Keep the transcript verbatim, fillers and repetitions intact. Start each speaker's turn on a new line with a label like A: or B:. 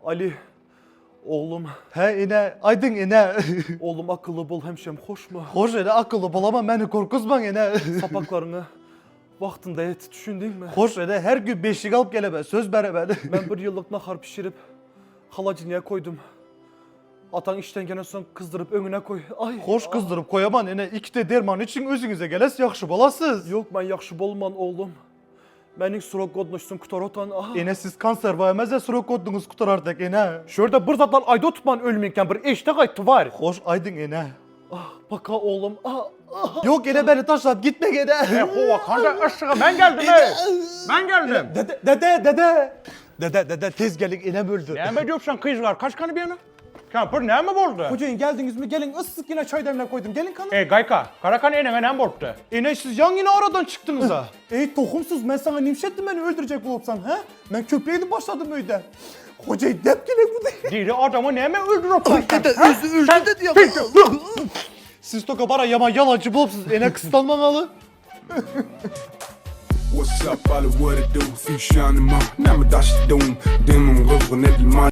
A: Ali, oğlum,
B: He ine, aydın ine.
A: oğlum akıllı bol hemşem hoş mu?
B: Hoş ene akıllı bulama beni korkuzman ene.
A: Sapaklarını vaktinde et düşündün mü?
B: Hoş ene her gün beşik alıp geleme söz bere ben.
A: Ben bir yıllık nahar pişirip halacınıya koydum. Atan işten gene son kızdırıp önüne koy. Ay.
B: Hoş kızdırıp koyaman ene iki de derman için özünüze geles yakşı bolasız.
A: Yok ben yakşı bolman oğlum. Benim surok godnoşsun kutarotan. Ah.
B: Ene siz kanser vayemezse suruk kodunuz kutar artık ene.
A: Şurada bir zatlar ayda tutman ölmeyken bir eşte kayıtı var.
B: Hoş aydın ene.
A: Ah baka oğlum. Ah. Ah.
B: Yok ene beni taşlap gitme gene.
C: Hova kanda aşağı ben geldim he. Ben geldim.
B: Dede dede dede. Dede dede tez gelin inem öldü.
C: Ne mi diyorsun kızlar? Kaç kanı bir yana? Kampır ne mi oldu?
A: Hocayın geldiniz mi? Gelin ıssız yine çay demle koydum. Gelin kanım.
C: E Gayka, Karakan eneme ne borçtu?
B: Ene siz yan yine aradan çıktınız ha.
A: Ey tohumsuz ben sana nimşettim beni öldürecek olsan ha? Ben köpeğini başladım öyle. Hocayı dep gele bu değil.
C: Diri adamı ne mi öldürüp
B: Dede özü öldü dedi ya. Siz toka bara yaman yalancı bulupsuz ene kısıtlanmamalı.
D: What's up, all what it do? Few shining my, now my dash doom. Demon, look, when every